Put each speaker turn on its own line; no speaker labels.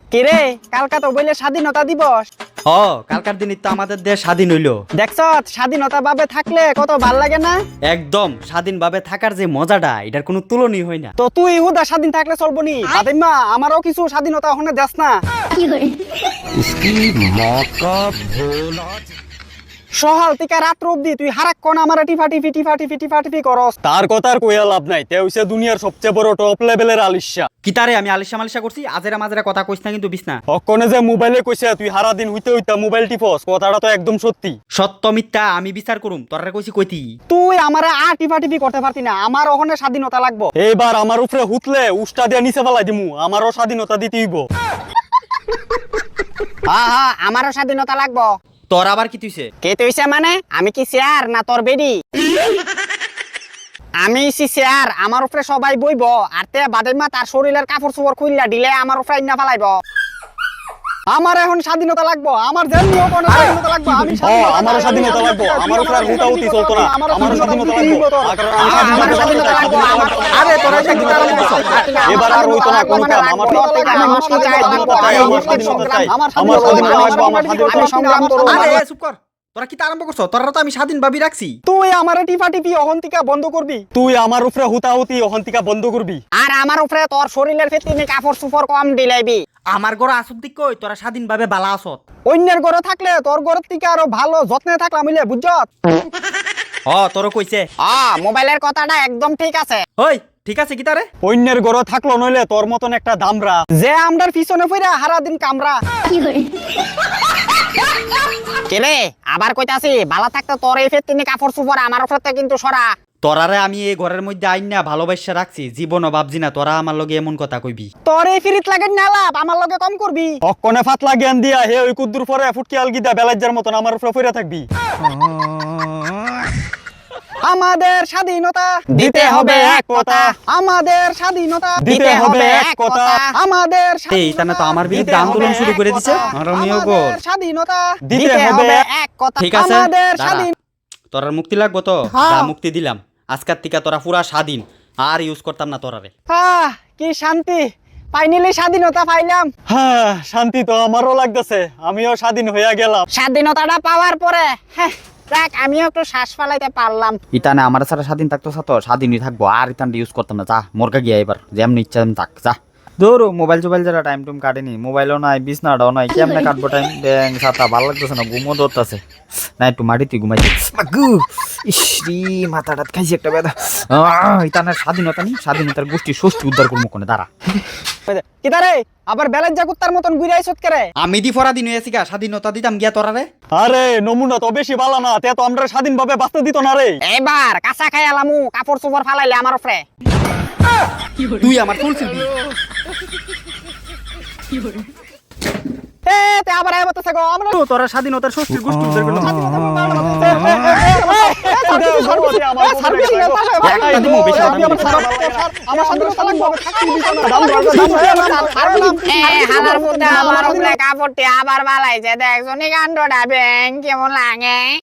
কে রে কালকা তো বইলে স্বাধীনতা দিবস।
কালকার দিনই তো আমাদের দেশ স্বাধীন হইলো।
দেখছ স্বাধীনতা ভাবে থাকলে কত ভাল লাগে না।
একদম স্বাধীনভাবে থাকার যে মজাটা এটার কোনো তুলনাই হয় না।
তো তুই হুদা স্বাধীন থাকলে চলবো নি ফাতেমা, আমারও কিছু স্বাধীনতা ওখানে দেস না। সহাল থেকে রাত্র অব্দি তুই হারাক্ষণ আমার টিফাটিফি করস।
তার কথার কইয়া লাভ নাই, তে হইছে দুনিয়ার সবচেয়ে বড় টপ লেভেলের আলিশা।
কিতারে আমি আলিশা মালিশা করছি? আজেরা মাজেরা কথা কইস না কিন্তু বিছনা।
অকনে যে মোবাইলে কইছে তুই সারা দিন হইতে হইতা মোবাইল টিপস, কথাটা তো একদম সত্যি।
সত্য মিথ্যা আমি বিচার করুম, তোরা কইছি কইতি।
তুই আমার আর টিফাটিফি করতে পারতি না, আমার ওখানে স্বাধীনতা লাগবো।
এইবার আমার উপরে হুতলে উষ্টা দিয়া নিচে ফেলাই দিমু, আমারও স্বাধীনতা দিতে হইব।
হ্যাঁ আমারও স্বাধীনতা লাগবো।
তোর আবার কি তুইছে?
কে তুইছে মানে আমি কি চেয়ার না তোর বেডি? আমি চেয়ার, আমার উপরে সবাই বইব আর তে বাদেমা তার শরীরের কাপড় চোপড় খুললা দিলে আমার উপরে না ফেলাইব। আমার এখন স্বাধীনতা লাগবো, আমার যেমনি হোক না স্বাধীনতা লাগবো। আমি
আমারও স্বাধীনতা লাগবো, আমার উপরে আর হুতাহুতি চলতো না। আমারও স্বাধীনতা লাগবো, কারণ আমি
আমার স্বাধীনতা লাগবো।
আরে তোরা এটা কি তারা বলছ?
এবার আর হইতো না কোনো কাম। আমার
মুক্তি চাই,
আমার স্বাধীনতা চাই, আমার স্বাধীনতা লাগবো, আমার
আমি সংগ্রাম করব।
আরে চুপ কর, তোরা কি আরম্ভ করছ? তোরা তো আমি স্বাধীন ভাবি রাখছি।
তুই আমার টিফাটিপি অহন্তিকা বন্ধ করবি,
তুই আমার উপরে হুতাহুতি অহন্তিকা বন্ধ করবি।
আর আমার উপরে তোর শরীরের ফিতিনি কাপড় চোপড় কম দিলাইবি।
আমার ঘর আসুক দিক কই তোরা স্বাধীনভাবে বালা আসত।
অন্যের ঘরে থাকলে তোর ঘরের থেকে আরো ভালো যত্নে থাকলাম বুঝলে, বুঝছত?
তোর কইছে।
মোবাইলের কথাটা একদম ঠিক আছে।
ওই ঠিক আছে কি তারে?
অন্যের ঘরে থাকলো নইলে তোর মতন একটা দামরা
যে আমরার পিছনে ফিরা হারা দিন কামরা। কেলে আবার কইতাছি বালা থাকতে তোর এই ফিতিনি কাপড় চোপড় আমার উপরে কিন্তু সরা।
তোরারে আমি এই ঘরের মধ্যে আইন না ভালোবাসা রাখছি, জীবনও ভাবছি না তোরা আমার লগে এমন কথা কইবি।
তোর এই ফিরিত লাগে না লাভ, আমার লগে কম করবি।
অকনে ফাতলা জ্ঞান দিয়া হে ওই কুদ্দুর পরে ফুটকি আলগিদা বেলাজ্জার মতন আমার উপরে পড়ে থাকবি।
আমাদের স্বাধীনতা
দিতে হবে এক কথা,
আমাদের স্বাধীনতা
দিতে হবে এক কথা,
আমাদের
এই তানা তো আমার বিরুদ্ধে আন্দোলন শুরু করে দিছে। আমিও গো
আমাদের স্বাধীনতা
দিতে হবে
এক কথা।
ঠিক আছে,
আমাদের
দাঁড়া।
স্বাধীন।
তোরার মুক্তি লাগবো তো?
হ্যাঁ।
যা, মুক্তি দিলাম। আজকের থেকে তোরা পুরা স্বাধীন, আর ইউজ করতাম না তোরারে।
কি শান্তি, ফাইনালি স্বাধীনতা পাইলাম।
হ্যাঁ শান্তি তো আমারও লাগতেছে, আমিও স্বাধীন হইয়া গেলাম।
স্বাধীনতাটা পাওয়ার পরে দেখ আমিও একটু শ্বাস ফেলাইতে পারলাম।
ইতানে আমার সারা স্বাধীন থাকতো তো স্বাধীনই থাকবো, আর ইতান ইউজ করতাম না। যা মোরকা গিয়া এবার যেমনি ইচ্ছা তেমনি থাক যা। ধরো মোবাইল টোবাইল যারা টাইম টুম কাটেনি, মোবাইলও নাই বিছনাটাও নাই, কেমনে কাটবো টাইম? ব্যাং ছাতা ভালো লাগতেছে না, ঘুমো ধরতেছে না, একটু মাটিতে ঘুমাইছি। ইসরি মাথাটা খাইছি একটা ব্যথা। ইতানের স্বাধীনতা নেই, স্বাধীনতার গোষ্ঠী ষষ্ঠী উদ্ধার করবো কোনে দাঁড়া।
কিতারে আবার বেলেজ জাকুত্তার মতন ঘুরে আইছত কেরে?
আমি দি ফরা দিন হয়েছি গা, স্বাধীনতা দিতাম গিয়া তোরারে।
আরে নমুনা তো বেশি ভালো না, তে তো আমরা স্বাধীনভাবে বাঁচতে দিত না রে।
এবার কাঁচা খাই আলামু, কাপড় চোপড় ফালাইলে আমার উপরে।
তুই আমার চলছিস
তে আবার আয় বলতেছে গো আমরা
তোরা স্বাধীনতার ষষ্ঠীর গোষ্ঠী উদ্ধার করলাম।
আমার উপরে কাপড়টি আবার বালাইছে, দেখছো নি কাণ্ডটা ব্যাং কেমন লাগে।